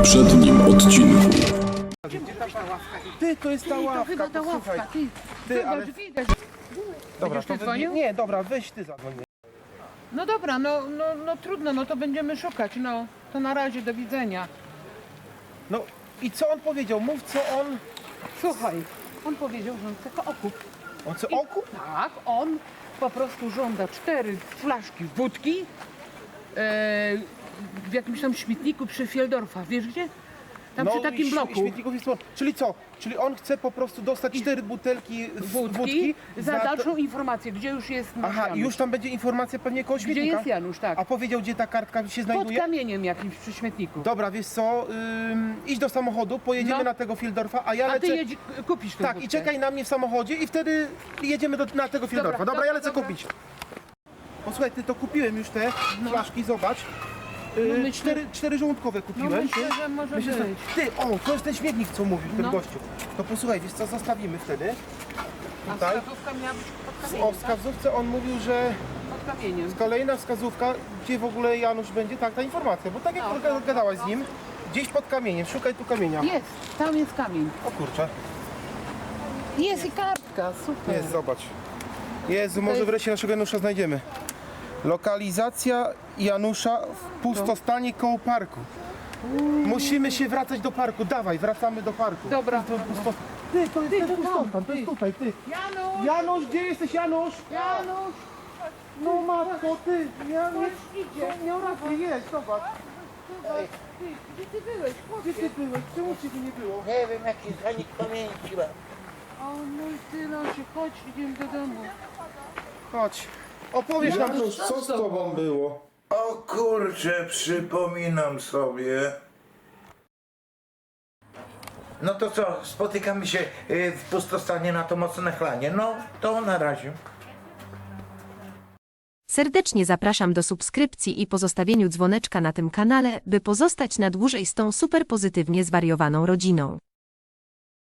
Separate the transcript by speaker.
Speaker 1: poprzednim odcinku.
Speaker 2: Gdzie ta ławka? Ty, to jest ta ławka.
Speaker 3: Chyba ta
Speaker 2: Posłuchaj.
Speaker 3: ławka, ty.
Speaker 2: Ty, ale...
Speaker 3: Widać.
Speaker 2: Dobra,
Speaker 3: Będziesz ty
Speaker 2: to
Speaker 3: dzwonił?
Speaker 2: Nie, dobra, weź ty zadzwoń.
Speaker 3: No dobra, no trudno, no to będziemy szukać, no. To na razie, do widzenia.
Speaker 2: No i co on powiedział? Mów, co on...
Speaker 3: Słuchaj, on powiedział, że on chce okup.
Speaker 2: On chce okup?
Speaker 3: Tak, on po prostu żąda 4 flaszki wódki w jakimś tam śmietniku przy Fieldorfa. Wiesz gdzie? Tam przy takim
Speaker 2: i
Speaker 3: bloku.
Speaker 2: Śmietników jest... Czyli co? Czyli on chce po prostu dostać 4 butelki
Speaker 3: Wódki za
Speaker 2: to-
Speaker 3: dalszą informację, gdzie już jest nasz
Speaker 2: Aha, i
Speaker 3: Janusz.
Speaker 2: już tam będzie informacja pewnie koło
Speaker 3: Gdzie
Speaker 2: śmietnika?
Speaker 3: jest Janusz, tak.
Speaker 2: A powiedział, gdzie ta kartka się
Speaker 3: Pod
Speaker 2: znajduje?
Speaker 3: kamieniem jakimś przy śmietniku.
Speaker 2: Dobra, wiesz co? Idź do samochodu, pojedziemy
Speaker 3: No.
Speaker 2: na tego Fieldorfa, a ja
Speaker 3: A
Speaker 2: lecę...
Speaker 3: ty kupisz tą
Speaker 2: Tak,
Speaker 3: wódkę.
Speaker 2: i czekaj na mnie w samochodzie i wtedy jedziemy na tego Fieldorfa. Dobra, ja lecę
Speaker 3: dobra.
Speaker 2: kupić. Posłuchaj, ty, to kupiłem już te flaszki, zobacz.
Speaker 3: myślę-
Speaker 2: Cztery żołądkowe
Speaker 3: No
Speaker 2: kupiłem.
Speaker 3: myślę, że może
Speaker 2: Myślę, że...
Speaker 3: być.
Speaker 2: Ty, o, to jest ten śmietnik, co mówił ten
Speaker 3: No.
Speaker 2: gościu. To posłuchaj, wiesz co, zostawimy wtedy.
Speaker 3: A
Speaker 2: Tutaj.
Speaker 3: wskazówka miała być pod
Speaker 2: O
Speaker 3: kamieniem, tak?
Speaker 2: wskazówce on mówił, że
Speaker 3: Pod kamieniem.
Speaker 2: kolejna wskazówka, gdzie w ogóle Janusz będzie, tak, ta informacja, bo tak jak gadałaś z nim, gdzieś pod kamieniem, szukaj tu kamienia.
Speaker 3: Jest, tam jest kamień.
Speaker 2: O kurczę,
Speaker 3: Jest i kartka, super.
Speaker 2: jest, zobacz. Jezu, może
Speaker 3: jest-
Speaker 2: wreszcie naszego Janusza znajdziemy. Lokalizacja Janusza w pustostanie koło parku. Musimy się wracać do parku, dawaj, wracamy do parku.
Speaker 3: Dobra.
Speaker 2: Ty, to jest
Speaker 3: Ty,
Speaker 2: ten
Speaker 3: to tam,
Speaker 2: pustostan, to
Speaker 3: ty.
Speaker 2: jest tutaj, ty.
Speaker 3: Janusz!
Speaker 2: Janusz, gdzie jesteś, Janusz?
Speaker 3: Janusz!
Speaker 2: No matko, ty, Janusz,
Speaker 3: idzie.
Speaker 2: miał rację, jest, zobacz.
Speaker 3: Ty, gdzie ty byłeś?
Speaker 2: Gdzie ty byłeś? Czemu ciebie nie było?
Speaker 4: Nie wiem, jaki zanik pamięci mam.
Speaker 3: O mój tylosie, chodź, idziemy do domu.
Speaker 2: Chodź. Opowiesz nam,
Speaker 1: Janusz, co z tobą było?
Speaker 4: O kurczę, przypominam sobie. No to co, spotykamy się w pustostanie na to mocne chlanie. No, to na razie.
Speaker 5: Serdecznie zapraszam do subskrypcji i pozostawieniu dzwoneczka na tym kanale, by pozostać na dłużej z tą super pozytywnie zwariowaną rodziną.